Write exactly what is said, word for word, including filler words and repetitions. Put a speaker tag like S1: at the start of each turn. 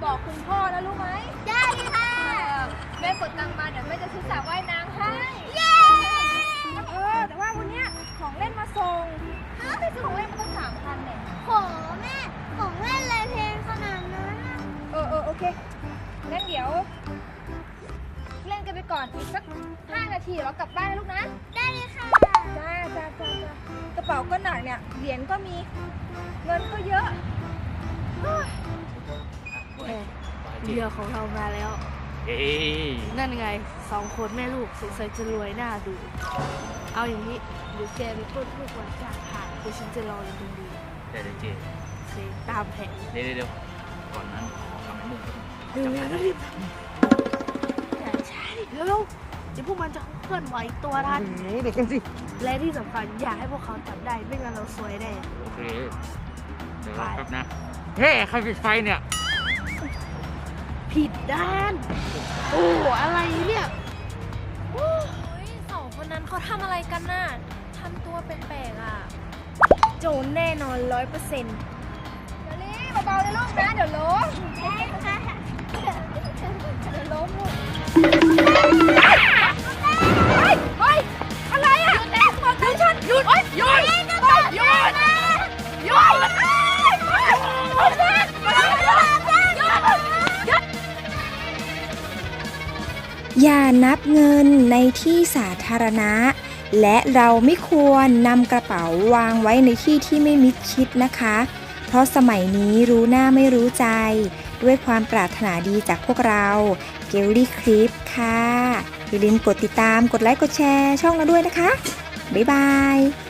S1: บอกคุณพ่อนะรู้ไหม
S2: ได้ค่ะ
S1: แม่กดตังค์มาเดี๋ยวแม่จะซื้อสระว่ายน้ำให้
S2: เย้
S1: เออแต่ว่าวันเนี้ยของเล่นมาส่งไม่ซื้อของเล่นมาตั้งสามพันเนี่ย
S2: โหแม่ของเล่นเลยเพลงขนาดนั้น
S1: เออเออโอเคงั้นเดี๋ยวเล่นกันไปก่อนอีกสักห้านาทีเรากลับบ้านนะลูกนะ
S2: ได้เลยค่ะ
S1: จ้าจ้าจ้าจ้ากระเป๋าก็หนักเนี่ยเหรียญก็มีเงินก็เยอะ
S3: เรือของเรามาแล้วนั่นไงสองคนแม่ลูกสงสัยจะรวยหน้าดูเอาอย่างนี้เดี๋ยวแกไปต้นพืชวันจากผ่านเดี๋ยวฉันจะรออยู่ตรงนี้
S4: ได้เลยเจ
S3: เคตามแผน
S4: เดี๋ยวเดี๋ยวก่อนนั้นขอทำให้มึง
S3: เร็วๆรีบอย่าใช่แล้วเดี๋ยวพวกมันจะเคลื่อนไหวตัวทัน
S4: เด็กกันสิ
S3: และที่สำคัญอย่าให้พวกเขาจับได้ไม่งั้นเราซวยแน่
S4: โอเคเดี๋ยวครับนะเฮ้ใครปิดไฟเนี่ย
S3: ผิดด้านโอ้อะไรเนี่ย
S1: โอ้ยสองคนนั้นเขาทำอะไรกันน่ะทำตัวแปลกๆอ่ะโจรแน่นอนร้อยเปอร์เซ็นต์เดี๋ยวนี้เบาๆเลยลูกนะเดี๋ยวล้มเดี๋ยวล้มลูกเฮ้ยเฮ้ยอะไรอ่ะหยุดแล้วบอกให้ฉันหยุดหยุดหยุดหยุดหยุดหยุด
S5: อย่านับเงินในที่สาธารณะและเราไม่ควรนำกระเป๋าวางไว้ในที่ที่ไม่มิดชิดนะคะเพราะสมัยนี้รู้หน้าไม่รู้ใจด้วยความปรารถนาดีจากพวกเราเกลลี่คลิปค่ะอย่าลืมกดติดตามกดไลค์กดแชร์ช่องเราด้วยนะคะบ๊ายบาย